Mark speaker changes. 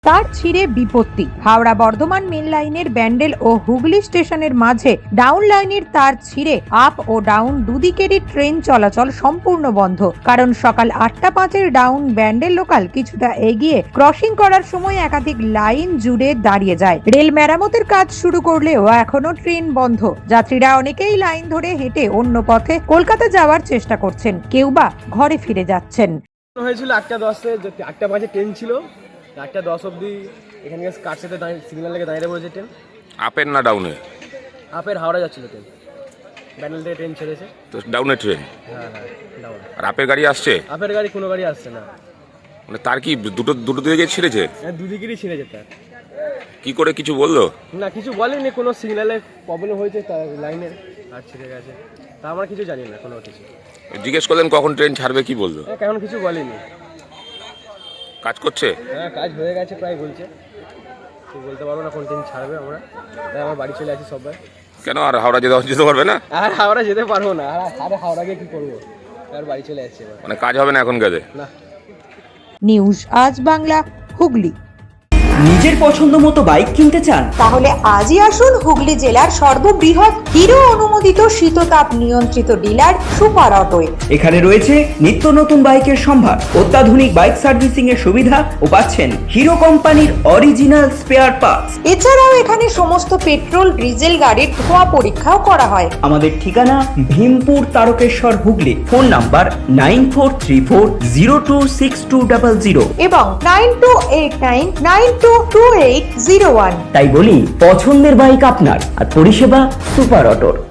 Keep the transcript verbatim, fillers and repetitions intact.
Speaker 1: তার ছিঁড়ে বিপত্তি। হাওড়া বর্ধমান মেন লাইনের ব্যান্ডেল ও হুগলি স্টেশনের মাঝে ডাউন লাইনের তার ছিঁড়ে আপ ও ডাউন দুদিকেরই ট্রেন চলাচল সম্পূর্ণ বন্ধ। কারণ সকাল আটটা পাঁচের ডাউন ব্যান্ডেল লোকাল কিছুটা এগিয়ে ক্রসিং করার সময় একাধিক লাইন জুড়ে দাঁড়িয়ে যায়। রেল মেরামতের কাজ শুরু করলেও এখনো ট্রেন বন্ধ। যাত্রীরা অনেকেই লাইন ধরে হেঁটে অন্য পথে কলকাতা যাওয়ার চেষ্টা করছেন, কেউ বা ঘরে ফিরে যাচ্ছেন।
Speaker 2: হয়েছিল আটটা দশে, আটটা পাঁচে ট্রেন ছিল, আটটা দশ অব্দি এখানে কার সাথে সিগন্যাল লেগে দাঁড়িয়ে পড়েছে ট্রেন।
Speaker 3: আপের না ডাউনে?
Speaker 2: আপের হাওড়া যাচ্ছিল ট্রেন, ব্যান্ডেল থেকে ট্রেন ছেড়েছে
Speaker 3: তো ডাউনে ট্রেন।
Speaker 2: হ্যাঁ হ্যাঁ ডাউন।
Speaker 3: আর আপের গাড়ি আসছে?
Speaker 2: আপের গাড়ি কোনো গাড়ি আসছে না।
Speaker 3: মানে তার কি দুটো দুটো দিকে ছিঁড়েছে?
Speaker 2: হ্যাঁ দুদিকেরই ছিঁড়েছে তার।
Speaker 3: কি করে কিছু বললো
Speaker 2: না, কিছু বলেনি, কোনো সিগন্যালে প্রবলেম হয়েছে তার লাইনের আর ছিঁড়ে গেছে, তা আমরা কিছু জানি না কোনো কিছু।
Speaker 3: জিজ্ঞেস করলেন কখন ট্রেন ছাড়বে, কি বললো?
Speaker 2: কেমন কিছু বলেনি।
Speaker 3: কাজ করছে?
Speaker 2: হ্যাঁ কাজ হয়ে গেছে প্রায়, বলছে বলতে পারবো না কোন ট্রেন ছাড়বে। আমরা তাই আমার বাড়ি চলে আসি সবাই।
Speaker 3: কেন আর হাওড়া যেতে যেতে পারবে না?
Speaker 2: আর হাওড়া যেতে পারবো না, আর আরে হাওড়া গিয়ে কি করবো, আর বাড়ি চলে আসছে।
Speaker 3: মানে কাজ হবে না এখন কাজে?
Speaker 2: না।
Speaker 1: নিউজ আজ বাংলা, হুগলি।
Speaker 4: নিজের পছন্দ মতো বাইক কিনতে চান?
Speaker 1: তাহলে আজই আসুন হুগলি জেলার সর্ববৃহৎ হিরো অনুমোদিত শীততাপ নিয়ন্ত্রিত ডিলার সুপার অটোয়।
Speaker 4: এখানে রয়েছে নিত্য নতুন বাইকের সম্ভার, অত্যাধুনিক বাইক সার্ভিসিং এর সুবিধা ও পাচ্ছেন হিরো কোম্পানির অরিজিনাল স্পেয়ার পার্টস।
Speaker 1: এছাড়াও এখানে সমস্ত পেট্রোল ডিজেল গাড়ির ধোঁয়া পরীক্ষাও করা হয়।
Speaker 4: আমাদের ঠিকানা Bhimpur Tarakeswar Hooghly. Phone number nine four three four zero two six two double zero
Speaker 1: এবং nine two eight nine nine two two eight zero one.
Speaker 4: তাই বলি, পছন্দের বাইক আপনার আর পরিষেবা সুপার অটোর।